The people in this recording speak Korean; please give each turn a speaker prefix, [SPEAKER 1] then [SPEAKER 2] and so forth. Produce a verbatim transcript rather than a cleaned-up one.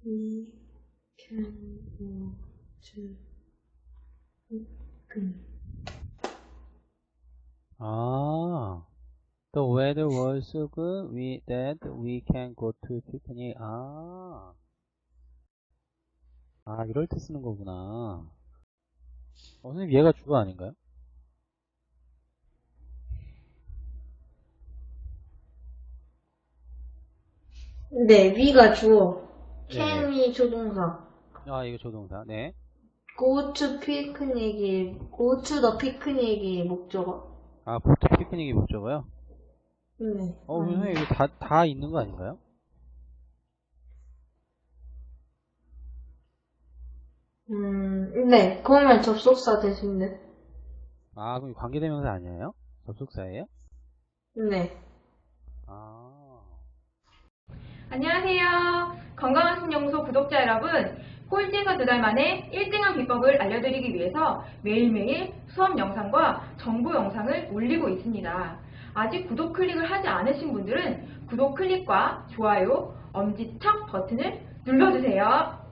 [SPEAKER 1] We can go to picnic.
[SPEAKER 2] 아, the weather was so good we, that we can go to picnic. 아, 아, 이럴 때 쓰는 거구나. 어, 선생님, 얘가 주어 아닌가요?
[SPEAKER 1] 네, we가 주어,
[SPEAKER 2] 네네.
[SPEAKER 1] can이 조동사,
[SPEAKER 2] 아, 이거 조동사. 네.
[SPEAKER 1] go to picnic이, go to the picnic이 목적어.
[SPEAKER 2] 아, 보트 피크닉이 목적어요?
[SPEAKER 1] 네,
[SPEAKER 2] 어, 선생님,
[SPEAKER 1] 아니,
[SPEAKER 2] 이거 다, 다 있는 거 아닌가요?
[SPEAKER 1] 음, 네, 그러면 접속사 대신데.
[SPEAKER 2] 아, 그럼 관계대명사 아니에요? 접속사예요?
[SPEAKER 1] 네.
[SPEAKER 2] 아,
[SPEAKER 3] 안녕하세요. 건강한 신연구소 구독자 여러분, 꼴찌에서 두 달 만에 일 등한 비법을 알려드리기 위해서 매일매일 수업 영상과 정보 영상을 올리고 있습니다. 아직 구독 클릭을 하지 않으신 분들은 구독 클릭과 좋아요, 엄지척 버튼을 눌러주세요.